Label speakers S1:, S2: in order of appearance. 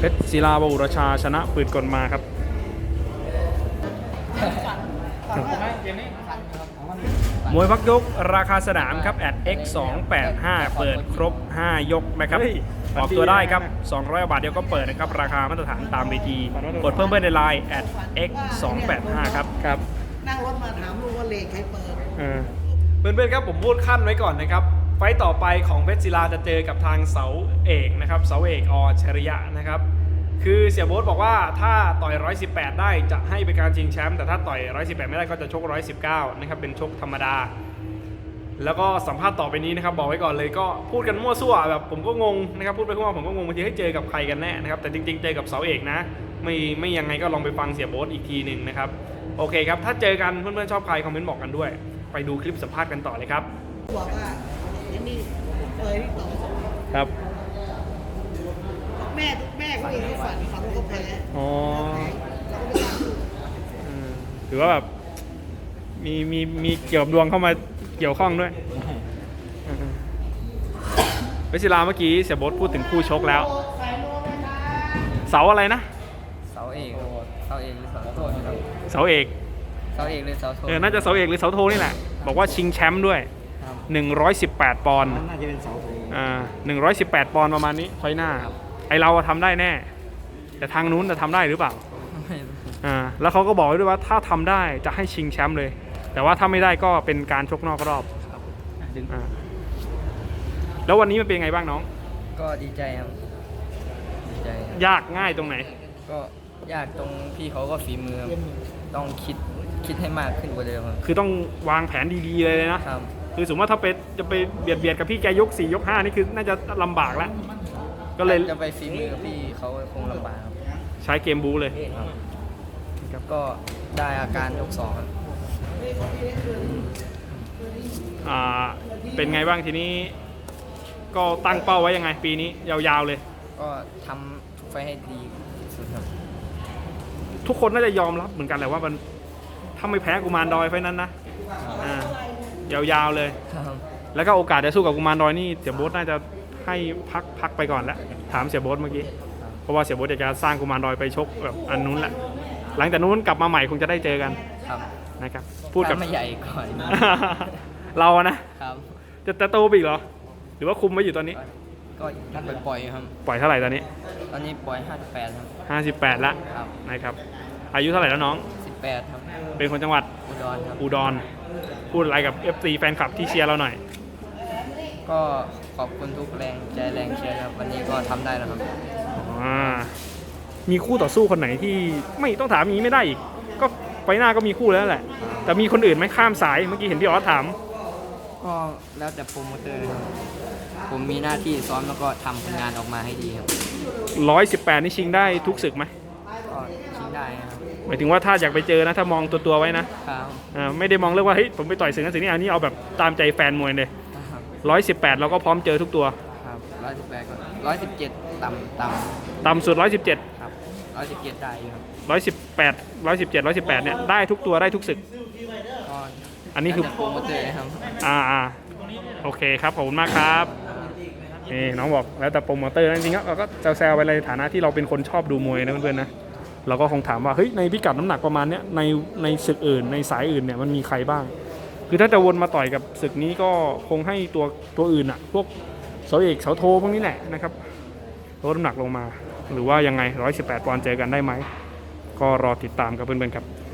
S1: ชรศิลาบอุรชาชนะปืนกลมาครับมวยพักยกราคาสนามครับ@x285 เปิดครบ5ยกนะครับออกตัวได้ครับ200 บาทเดียวก็เปิดนะครับราคามาตรฐานตามเวทีกดเพิ่มในไลน์@x285 ครับครับ
S2: นั่งรถมาถามลูกว่าเลขใครเปิด
S1: เพื่อนๆครับผมพูดขั้นไว้ก่อนนะครับไฟต์ต่อไปของเพชรศิลาจะเจอกับทางเสาเอกนะครับเสาเอกอชริยะนะครับคือเสี่ยโบ๊ทบอกว่าถ้าต่อย118ได้จะให้เป็นการชิงแชมป์แต่ถ้าต่อย118ไม่ได้ก็จะชก119นะครับเป็นชกธรรมดาแล้วก็สัมภาษณ์ต่อไปนี้นะครับบอกไว้ก่อนเลยก็พูดกันมั่วซั่วแบบผมก็งงนะครับพูดไปทั่วผมก็งงบางทีให้เจอกับใครกันแน่นะครับแต่จริงๆเจอกับเสาเอกนะไม่ยังไงก็ลองไปฟังเสี่ยโบ๊ทอีกทีหนึ่งนะครับโอเคครับถ้าเจอกันเพื่อนๆชอบใครคอมเมนต์บอกกันด้วยไปดูคลิปสัมภาษณ์กันต่อเลยครับ
S2: บอกว่าอย่างนี้เปิดที่ต่อ
S1: ครับ
S2: แม่เขาเองเขาฝันว่าเขาแพ้
S1: อ๋อถือว่าแบบมีเกี่ยวกับดวงเข้ามาเกี่ยวข้องด้วยเพชรศิลาเมื่อกี้เสี่ยโบ๊ทพูดถึงคู่ชกแล้วเสาอะไรนะ
S3: เสาเอกหรือเสาโทครับ
S1: เสาเอก
S3: หรือเสาโท
S1: น่าจะเสาเอกหรือเสาโทนี่แหละบอกว่าชิงแชมป์ด้วย118 ปอนด์
S2: น่าจะเป็นเสาโท
S1: 118 ปอนด์ประมาณนี้ไฟหน้าไอเราทำได้แน่แต่ทางนู้นจะทำได้หรือเปล่าแล้วเขาก็บอกด้วยว่าถ้าทำได้จะให้ชิงแชมป์เลยแต่ว่าถ้าไม่ได้ก็เป็นการชกนอกรอบแล้ววันนี้มันเป็นไงบ้างน้อง
S3: ก็ดีใจครับดีใจ
S1: ยากง่ายตรงไหน
S3: ก็ยากตรงพี่เขาก็ฝีมือต้องคิดให้มากขึ้นกว่าเดิม
S1: คือต้องวางแผนดีๆเลยนะครับคือสมมติว่าถ้าจะไปเบียดกับพี่แกยก4ยก5นี่คือน่าจะลำบากแล้วก็เลย
S3: จะไปฝีมือกับพี่เขาคงลำบาก
S1: ใช้เกมบูเลย
S3: ก็ได้อาการยก2ครับ
S1: เป็นไงบ้างทีนี้ก็ตั้งเป้าไว้ยังไงปีนี้ยาวๆเลย
S3: ก็ทำทุกไฟให้ดีที่สุดครับ
S1: ทุกคนน่าจะยอมรับเหมือนกันแหละว่ามันถ้าไม่แพ้กุมารดอยไฟนั้นนะยาวๆเลยแล้วก็โอกาสจะสู้กับกุมารดอยนี่เสี่ยโบ๊ทน่าจะให้พักไปก่อนแล้วถามเสี่ยโบ๊ทเมื่อกี้เพราะว่าเสี่ยโบ๊ทจะสร้างกุมารดอยไปชกแบบอันนู้นแหละหลังจากนู้นกลับมาใหม่คงจะได้เจอกันนะครับพูดกับ
S3: ไม่ใหญ่ก่อน
S1: เรานะครับจะโตไปอีกเหรอหรือว่าคุมไว้อยู่ตอนนี้
S3: ก็ปล่อยครับ
S1: ปล่อยเท่าไหร่ตอนนี้
S3: ปล่อย58ครับ
S1: 58แล้วนะครับอายุเท่าไหร่แล้วน้อง
S3: 18ครับ
S1: เป็นคนจังหวัดอุดรพูดอะไรกับ FC แฟนคลับที่เชียร์เราหน่อย
S3: ก็ขอบคุณทุกแรงใจแรงเชียร์ครับวันนี้ก็ทำได้แล้วครับ
S1: มีคู่ต่อสู้คนไหนที่ไม่ต้องถามนี้ไม่ได้อีกก็ไฟหน้าก็มีคู่แล้วแหละแต่มีคนอื่นไหมข้ามสายเมื่อกี้เห็นพี่ออสถาม
S3: ก็แล้วแต่โปรโมเตอร์ผมมีหน้าที่ซ้อมแล้วก็ทำผลงานออกมาให้ดีครับ
S1: 118นี่ชิงได้ทุกศึกไหม
S3: ก็ชิงได้ครับ
S1: หมายถึงว่าถ้าอยากไปเจอนะถ้ามองตัวไว้นะครับไม่ได้มองเรื่องว่าเฮ้ยผมไปต่อยศึกนั้นศึกนี้อันนี้เอาแบบตามใจแฟนมวยเลย118เราก็พร้อมเจอทุกตัว
S3: ครับ118ก็117ต่ำ
S1: สุด117
S3: ครับ117ได้ครับ
S1: 118 117เนี่ยได้ทุกตัวได้ทุกศึกอันนี้คือ
S3: โปรโมเตอร์ครับ
S1: โอเคครับขอบคุณมากครับนี่น้องบอกแล้วแต่โปรโมเตอร์จริงๆเราก็แซวๆไปในฐานะที่เราเป็นคนชอบดูมวยนะเพื่อนๆนะเราก็คงถามว่าเฮ้ยในพิกัดน้ำหนักประมาณเนี้ยในศึกอื่นในสายอื่นเนี่ยมันมีใครบ้างคือถ้าจะวนมาต่อยกับศึกนี้ก็คงให้ตัวอื่นอ่ะพวกเสาเอกเสาโทพวกนี้แหละนะครับลดน้ำหนักลงมาหรือว่ายังไง118 ปอนด์เจอกันได้ไหมก็รอติดตามกับเพื่อนๆครับ